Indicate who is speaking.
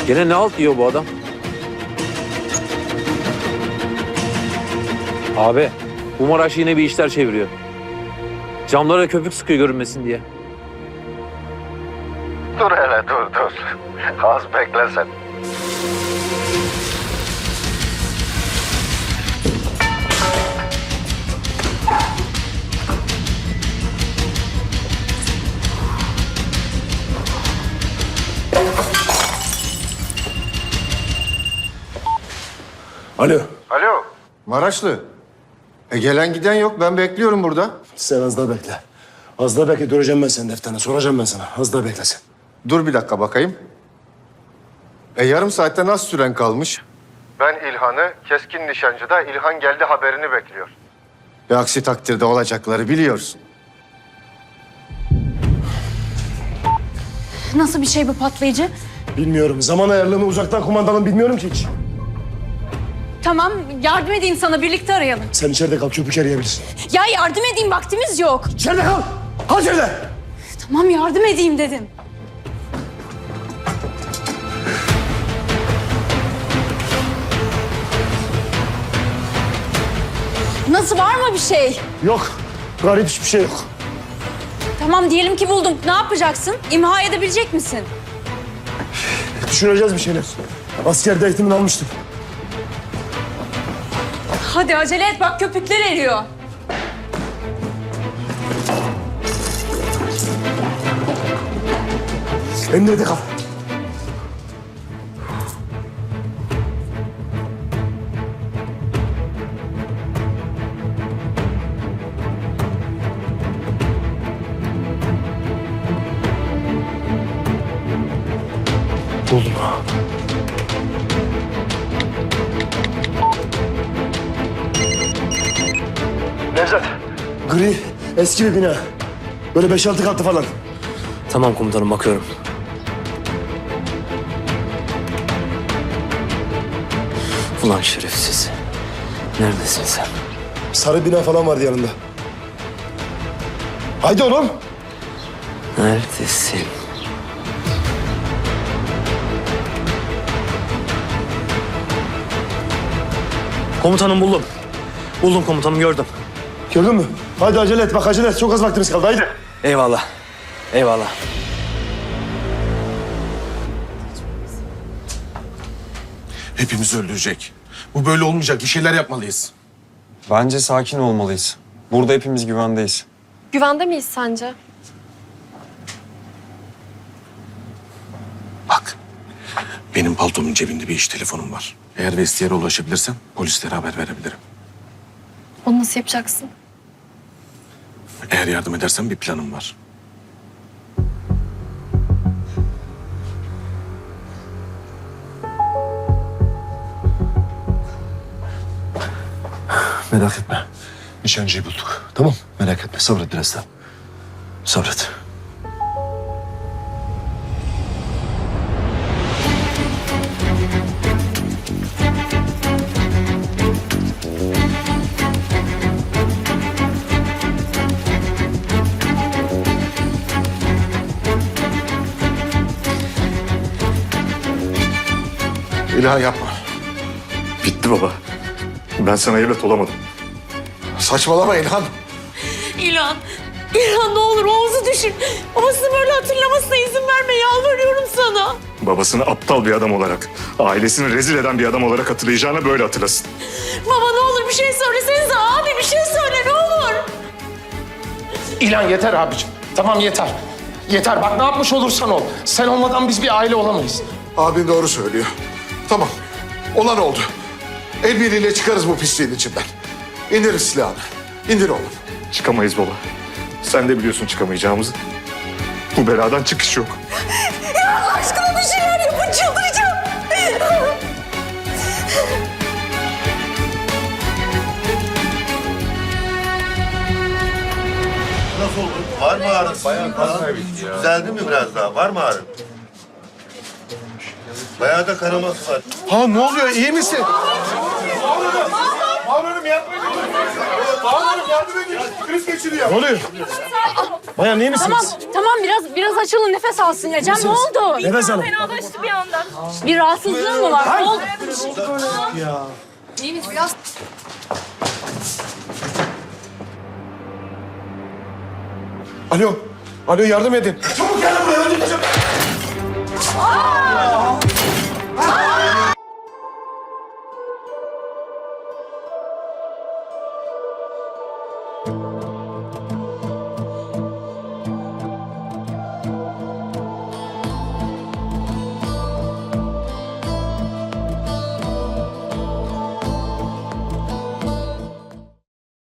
Speaker 1: Gene ne halt yiyor bu adam? Abi, bu Maraş yine bir işler çeviriyor. Camlara köpük sıkıyor görünmesin diye.
Speaker 2: Dur hele dur. Az bekle sen.
Speaker 3: Alo.
Speaker 2: Alo. Maraşlı. Gelen giden yok. Ben bekliyorum burada.
Speaker 3: Sen az daha bekle. Az daha bekle. Göreceğim ben senin defterini. Soracağım ben sana. Az daha bekle sen.
Speaker 2: Dur bir dakika bakayım. Yarım saatte nasıl süren kalmış? Ben İlhan'ı, keskin nişancıda İlhan geldi haberini bekliyor. Aksi takdirde olacakları biliyorsun.
Speaker 4: Nasıl bir şey bu patlayıcı?
Speaker 3: Bilmiyorum. Zaman ayarlığını uzaktan kumandanın bilmiyorum ki hiç.
Speaker 4: Tamam, yardım edeyim sana, birlikte arayalım.
Speaker 3: Sen içeride kal. Köpük arayabilirsin.
Speaker 4: Ya yardım edeyim, vaktimiz yok.
Speaker 3: İçeride kal. Kal içeride.
Speaker 4: Tamam, yardım edeyim dedim. Nasıl, var mı bir şey?
Speaker 3: Yok. Garip hiçbir şey yok.
Speaker 4: Tamam, diyelim ki buldum. Ne yapacaksın? İmha edebilecek misin?
Speaker 3: Düşüneceğiz bir şeyler. Askerde eğitimini almıştım.
Speaker 4: Hadi acele et, bak köpükler eriyor.
Speaker 3: Emniyete kal. Buldum. Nevzat. Gri, eski bir bina. Böyle 5-6 katlı falan.
Speaker 1: Tamam komutanım, bakıyorum. Ulan şerefsiz. Neredesin sen?
Speaker 3: Sarı bina falan vardı yanında. Haydi oğlum.
Speaker 1: Neredesin? Komutanım buldum. Buldum komutanım, gördüm.
Speaker 3: Gördün mü? Haydi acele et, bak acele et. Çok az vaktimiz kaldı, haydi.
Speaker 1: Eyvallah. Eyvallah.
Speaker 5: Hepimizi öldürecek. Bu böyle olmayacak. Bir şeyler yapmalıyız.
Speaker 6: Bence sakin olmalıyız. Burada hepimiz güvendeyiz.
Speaker 7: Güvende miyiz sence?
Speaker 5: Bak. Benim paltomun cebinde bir iş telefonum var. Eğer vestiyere ulaşabilirsem polislere haber verebilirim.
Speaker 7: Onu nasıl yapacaksın?
Speaker 5: Eğer yardım edersen bir planım var.
Speaker 3: Merak etme. Nişancıyı bulduk. Tamam, merak etme. Sabret biraz daha. Sabret.
Speaker 2: İlhan yapma.
Speaker 8: Bitti baba. Ben sana evlat olamadım.
Speaker 2: Saçmalama İlhan.
Speaker 4: İlhan, İlhan ne olur Oğuz'u düşün. Babasını böyle hatırlamasına izin verme, yalvarıyorum sana.
Speaker 8: Babasını aptal bir adam olarak, ailesini rezil eden bir adam olarak hatırlayacağına böyle hatırlasın.
Speaker 4: Baba ne olur bir şey söylesenize abi, bir şey söyle ne olur.
Speaker 9: İlhan yeter abicim. Tamam yeter. Yeter bak ne yapmış olursan ol. Sen olmadan biz bir aile olamayız.
Speaker 2: Abin doğru söylüyor. Tamam. Olan oldu. El birliğiyle çıkarız bu pisliğin içinden. İndir silahını. İndir oğlum.
Speaker 8: Çıkamayız baba. Sen de biliyorsun çıkamayacağımızı. Bu beladan çıkış yok.
Speaker 4: Ya Allah aşkına bir şeyler yapın, çıldıracağım.
Speaker 2: Nasıl oldu? Var mı ağrın? Bayağı düzeldi mi biraz daha? Var mı ağrın? Bayağı da kanaması var.
Speaker 5: Ha ne oluyor? İyi misin?
Speaker 8: Bağırıyorum, yardım edin. Kriz geçiriyor.
Speaker 3: Ne oluyor? Bayan iyi misiniz?
Speaker 4: Tamam biraz açılın nefes alsın ya. Can ne oldu?
Speaker 3: Nefes alın.
Speaker 4: Fenalaştı bir anda. Bir rahatsızlığın mı var? Ne oldu?
Speaker 3: Alo. Alo yardım edin.
Speaker 8: Çabuk gel buraya, öldüreceğim.